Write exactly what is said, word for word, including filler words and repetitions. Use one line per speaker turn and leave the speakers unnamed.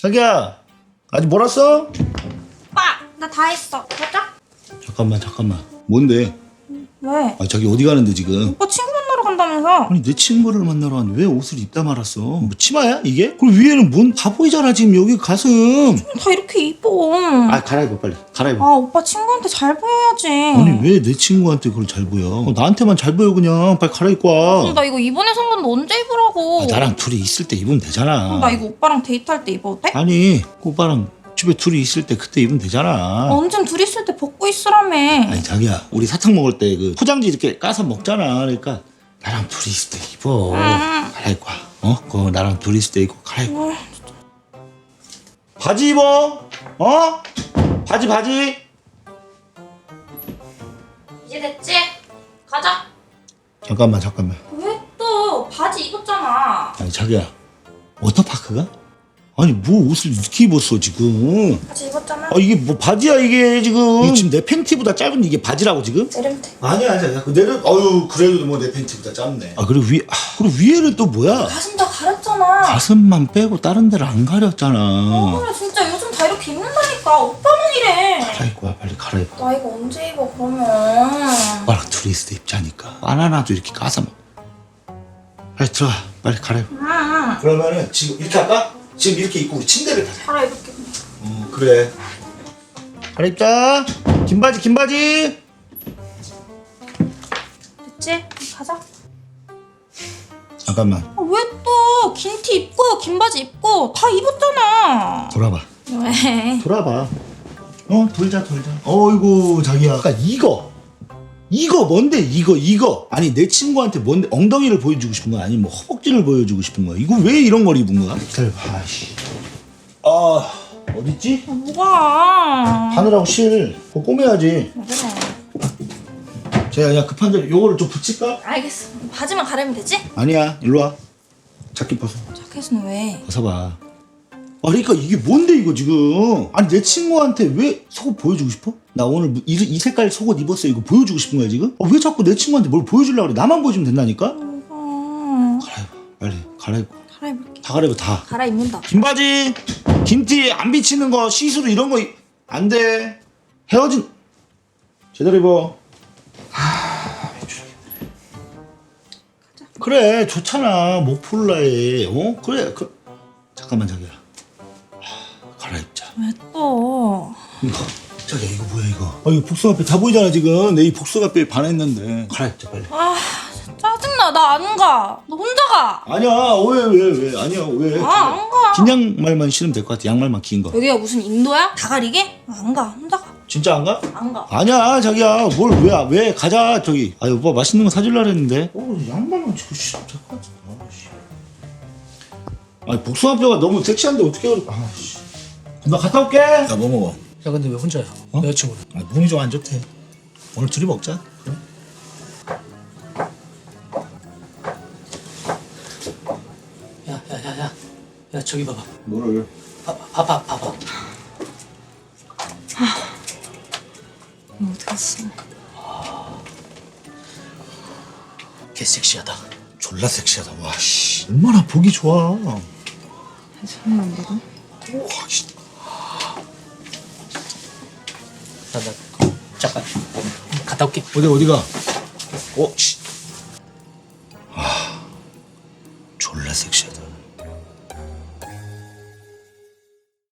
자기야, 아직 뭘 왔어?
오빠, 나 다 했어. 가자.
잠깐만, 잠깐만. 뭔데?
왜?
아, 자기 어디 가는데 지금?
오빠 친구 만나러 간다면서?
아니 내 친구를 만나러 왔는데 왜 옷을 입다 말았어? 뭐 치마야 이게? 그리고 위에는 뭔 바보이잖아 지금 여기 가슴.
다 이렇게 입어.
아 갈아입어 빨리 갈아입어.
아, 오빠 친구한테 잘 보여야지.
아니 왜 내 친구한테 그걸 잘 보여? 어, 나한테만 잘 보여 그냥. 빨리 갈아입고 와.
그럼 나 이거 이번에 산 건데 언제 입으라고?
아, 나랑 둘이 있을 때 입으면 되잖아.
그럼 나 이거 오빠랑 데이트할 때 입어도 돼?
아니 오빠랑 집에 둘이 있을 때 그때 입으면 되잖아.
언젠 둘이 있을 때 벗고 있으라며.
아니 자기야 우리 사탕 먹을 때 그 포장지 이렇게 까서 먹잖아. 그러니까 나랑 둘이 있을 때 입어.
음.
갈아입고 와. 어? 그거 나랑 둘이 있을 때 입고 갈아입고. 바지 입어. 어? 바지 바지.
이제 됐지? 가자.
잠깐만 잠깐만.
왜 또 바지 입었잖아.
아니 자기야 워터파크가? 아니 뭐 옷을 이렇게 입었어 지금?
바지 입었잖아.
아 이게 뭐 바지야 이게 지금? 이게 지금 내 팬티보다 짧은 이게 바지라고 지금?
내리면 돼.
아니야 아니야 그 내려 어유 그래도 뭐 내 팬티보다 짧네. 아 그리고 위 아, 그리고 위에는 또 뭐야?
가슴 다 가렸잖아.
가슴만 빼고 다른 데를 안 가렸잖아.
어, 그래 진짜 요즘 다 이렇게 입는다니까. 오빠만 이래.
갈아입고 와 빨리 갈아입어.
나 이거 언제 입어 그러면?
오빠랑 둘이 있을 때 입자니까. 바나나도 이렇게 까서 먹. 빨리 들어가 빨리 갈아입어.
응.
그러면은 지금 이렇게 할까? 지금 이렇게 입고 우리 침대를 가자.
갈아입을게.
어 그래. 갈아입자. 긴 바지 긴 바지.
됐지? 가자.
잠깐만
아, 왜 또 긴 티 입고 긴 바지 입고 다 입었잖아.
돌아봐.
왜?
돌아봐. 어 돌자 돌자. 어이구 자기야. 아까 이거 이거 뭔데 이거 이거. 아니 내 친구한테 뭔데 엉덩이를 보여주고 싶은 거야? 아니면 뭐 허벅지를 보여주고 싶은 거야? 이거 왜 이런 걸 입은 거야? 기다려봐. 아이씨. 아 어딨지?
아, 뭐가?
바늘하고 실 그거 꼬매야지.
왜 그래?
제가 그냥 급한데 요거를 좀 붙일까?
알겠어. 바지만 가르면 되지?
아니야 일로 와. 자켓 벗어.
자켓은 왜?
벗어봐. 아 그러니까 이게 뭔데 이거 지금. 아니 내 친구한테 왜 속옷 보여주고 싶어? 나 오늘 이, 이 색깔 속옷 입었어 이거 보여주고 싶은 거야 지금? 아, 왜 자꾸 내 친구한테 뭘 보여주려고 그래? 나만 보여주면 된다니까?
어...
갈아입어 빨리 갈아입고.
갈아입을게.
다 갈아입어 다.
갈아입는다.
긴 바지 긴티 안 비치는 거 시스루 이런 거 안 돼. 헤어진 제대로 입어. 하 미치겠네. 그래 좋잖아 모폴라에. 어 그래 그 잠깐만 자기야. 하, 갈아입자.
왜 또?
이거 자기야 이거 뭐야 이거? 아 이거 복숭아뼈 다 보이잖아 지금. 내 이 복숭아뼈에 반했는데. 갈아입자 빨리.
아 짜증나. 나 안 가. 너 혼자 가.
아니야 왜 왜 왜 아니야 왜?
아 안 가.
긴 양말만 신으면 될 것 같아. 양말만 긴 거.
여기가 무슨 인도야? 다 가리게? 안 가. 혼자 가.
진짜 안 가?
안 가.
아니야 자기야 뭘 왜 왜 가자 저기. 아 오빠 맛있는 거 사줄라 그랬는데. 어 양말만 지고 싶어. 아씨. 아니 복숭아뼈가 너무 섹시한데 어떻게 그래? 아씨. 나 갔다 올게. 야 뭐 먹어?
야 근데 왜 혼자야?
어?
여자친구는?
아 몸이 좀 안 좋대. 오늘 둘이 먹자. 그래?
야야야야 야 저기 봐봐.
뭐를?
봐봐 봐봐.
너 어디 갔어?
개 섹시하다.
졸라 섹시하다. 와씨 얼마나 보기 좋아. 와
손이 안 되고?
씨.
나 나 잠깐 갔다 올게.
어디 어디가? 어 씨.